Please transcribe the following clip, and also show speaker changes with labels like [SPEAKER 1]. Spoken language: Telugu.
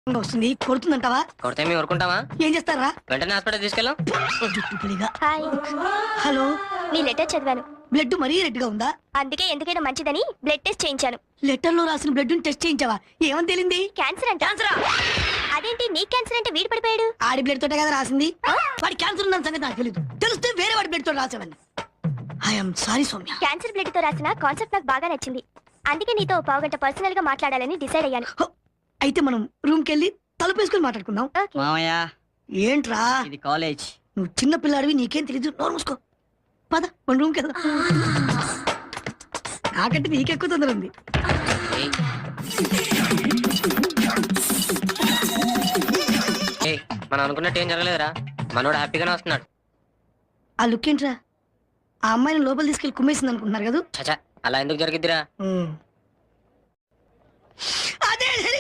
[SPEAKER 1] వస్తుంది కొడుతుందంటావా?
[SPEAKER 2] కొడితే మేము ఊరుకుంటావా?
[SPEAKER 1] ఏం చేస్తారా?
[SPEAKER 2] వెంటనే హాస్పిటల్ తీసుకెళ్ళాం.
[SPEAKER 3] హాయ్,
[SPEAKER 1] హలో,
[SPEAKER 3] మీ లెటర్ చదివాను.
[SPEAKER 1] బ్లడ్ మరీ రెడ్ గా ఉందా?
[SPEAKER 3] అందుకే ఎందుకైనా మంచిదని బ్లడ్ టెస్ట్ చేయించాను.
[SPEAKER 1] లెటర్ లో రాసిన బ్లడ్ టెస్ట్ చేయించావా? ఏమని తేలింది?
[SPEAKER 3] క్యాన్సర్ అంట. అదేంటి నీ క్యాన్సర్ అంటే వీడు పడిపోయాడు?
[SPEAKER 1] ఆడి బ్లడ్ తోటే కదా రాసింది. వాడి క్యాన్సర్ ఉన్న సంగతి నాకు తెలియదు. తెలిస్తే వేరే వాడి బ్లడ్ తో రాసేవాడిని. I'm sorry Soumya.
[SPEAKER 3] Cancer blood తో రాసిన కాన్సెప్ట్ నాకు బాగా నచ్చింది. అందుకే నీతో పావుగంట పర్సనల్ గా మాట్లాడాలని డిసైడ్ అయ్యాను.
[SPEAKER 1] అయితే మనం రూమ్ కెళ్ళి తలుపేసుకుని మాట్లాడుకుందాం.
[SPEAKER 3] ఓకే.
[SPEAKER 2] మామయ్య,
[SPEAKER 1] ఏంట్రా
[SPEAKER 2] ఇది కాలేజ్.
[SPEAKER 1] నువ్వు చిన్న పిల్లాడివి, నీకేం తెలీదు. నోరు మూసుకో. పద మన రూమ్ కెళ్దాం. నాకంటే నీకెక్కువ తొందర ఉంది.
[SPEAKER 2] మనం అనుకున్నట్టు ఏం జరగలేదురా. మనోడు హ్యాపీగానే వస్తున్నాడు.
[SPEAKER 1] ఆ లుక్ ఏంట్రా? ఆ అమ్మాయిని లోపల తీసుకెళ్లి కుమ్మేసింది అనుకుంటున్నారు కదా?
[SPEAKER 2] చచా, అలా ఎందుకు జరిగిద్దిరా?
[SPEAKER 1] అదే